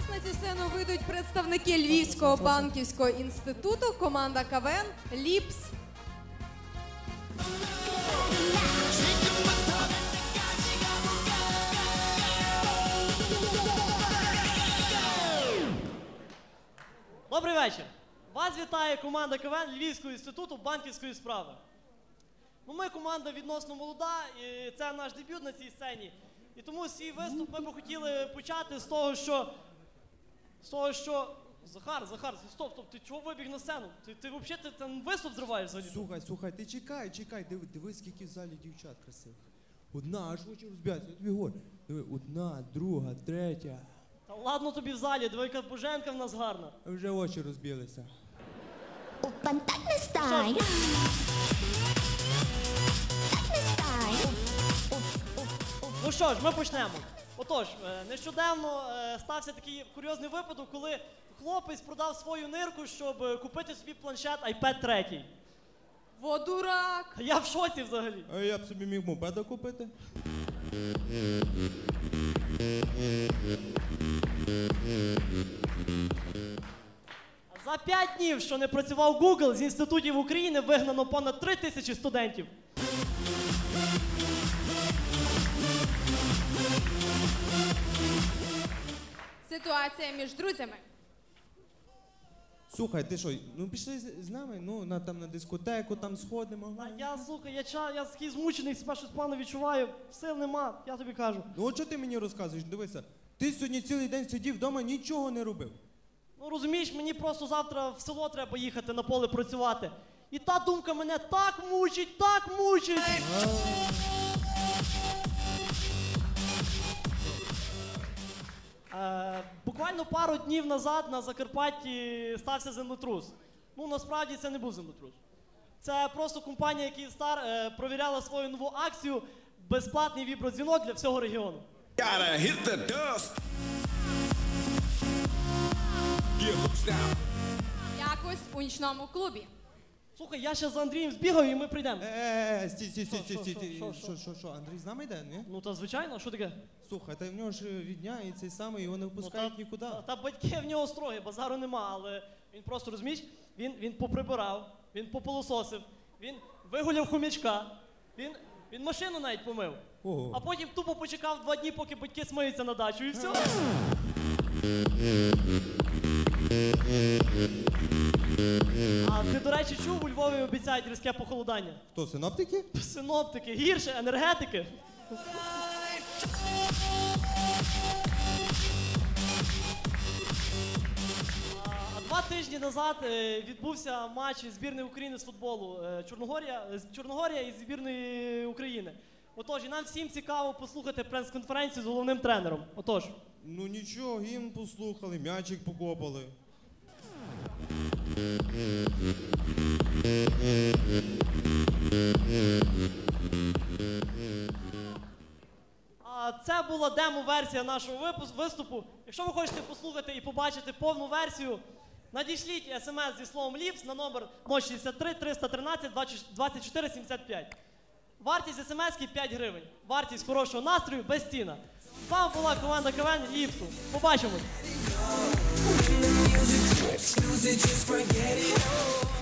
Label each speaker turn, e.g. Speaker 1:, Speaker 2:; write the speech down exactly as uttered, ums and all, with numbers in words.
Speaker 1: на цю сцену вийдуть представники Львівського банківського інституту, команда КВН «Ліпс».
Speaker 2: Добрий вечір. Вас вітає команда КВН Львівського інституту банківської справи. Ну, ми команда відносно молода, і це наш дебют на цій сцені. І тому свій виступ ми б хотіли почати з того, що... З того, що... Захар, Захар, стоп, стоп, ти чого вибіг на сцену? Ти, ти взагалі ти, там виступ зриваєш взагалі?
Speaker 3: Слухай, слухай, ти чекай, чекай, диви, диви, скільки в залі дівчат красивих. Одна, аж очі розбігаються, я тобі говорю. Диви, одна, друга, третя.
Speaker 2: Та ладно тобі в залі, диви, яка Боженка в нас гарна.
Speaker 3: А вже очі розбілися.
Speaker 4: Опан, так не стай. Так не стай.
Speaker 2: Ну що ж, ми почнемо. Отож, е, нещодавно е, стався такий курйозний випадок, коли хлопець продав свою нирку, щоб е, купити собі планшет айпед три.
Speaker 1: Во дурак!
Speaker 2: Я в шоці взагалі.
Speaker 3: А я б собі міг мопеда купити.
Speaker 2: За п'ять днів, що не працював Google, з інститутів України вигнано понад три тисячі студентів.
Speaker 1: Ситуація між друзями.
Speaker 3: Слухай, ти що, ну пішли з, з нами, ну на, там на дискотеку, там сходимо.
Speaker 2: А я, слухай, я, ча, я такий змучений, себе щось погано відчуваю, сил нема, я тобі кажу.
Speaker 3: Ну от що ти мені розказуєш, дивися, ти сьогодні цілий день сидів вдома, нічого не робив.
Speaker 2: Ну розумієш, мені просто завтра в село треба їхати на поле працювати. І та думка мене так мучить, так мучить. Е, буквально пару днів назад на Закарпатті стався землетрус. Ну насправді це не був землетрус. Це просто компанія Київстар е, провіряла свою нову акцію «Безплатний вібродзвінок для всього регіону».
Speaker 5: Gotta hit the dust. Yeah, hooks down.
Speaker 1: Якось у нічному клубі.
Speaker 2: Слухай, я ще за Андрієм збігаю і ми прийдемо.
Speaker 3: Е, стій, стій, стій,
Speaker 2: Що,
Speaker 3: стій,
Speaker 2: що,
Speaker 3: стій,
Speaker 2: що,
Speaker 3: стій,
Speaker 2: що,
Speaker 3: що, що, що, Андрій з нами йде, ні?
Speaker 2: Ну та звичайно, що таке?
Speaker 3: Слухай, та в нього ж рідня і цей самий, його не впускають
Speaker 2: Ну, та,
Speaker 3: нікуди.
Speaker 2: Та, та батьки в нього строгі, базару нема, але він просто, розумієш, він, він поприбирав, він попилососив, він вигуляв хомячка, він, він машину навіть помив.
Speaker 3: Ого.
Speaker 2: А потім тупо почекав два дні, поки батьки смиються на дачу, і все. А ти, до речі, чув, у Львові обіцяють різке похолодання?
Speaker 3: Хто, синоптики?
Speaker 2: Синоптики, гірше, енергетики. А два тижні назад е, відбувся матч збірної України з футболу е, Чорногорія, е, Чорногорія і збірної України. Отож, і нам всім цікаво послухати прес-конференцію з головним тренером. Отож.
Speaker 3: Ну нічого, гімн послухали, м'ячик покопали.
Speaker 2: А це була демо-версія нашого випуску, виступу. Якщо ви хочете послухати і побачити повну версію, надішліть смс зі словом «Ліпс» на номер нуль шістдесят три триста тринадцять двадцять чотири сімдесят п'ять. Вартість смс-ки п'ять гривень. Вартість хорошого настрою безцінна. З вами була команда КВН «Ліпсу». Побачимось!
Speaker 6: Music just forget it all.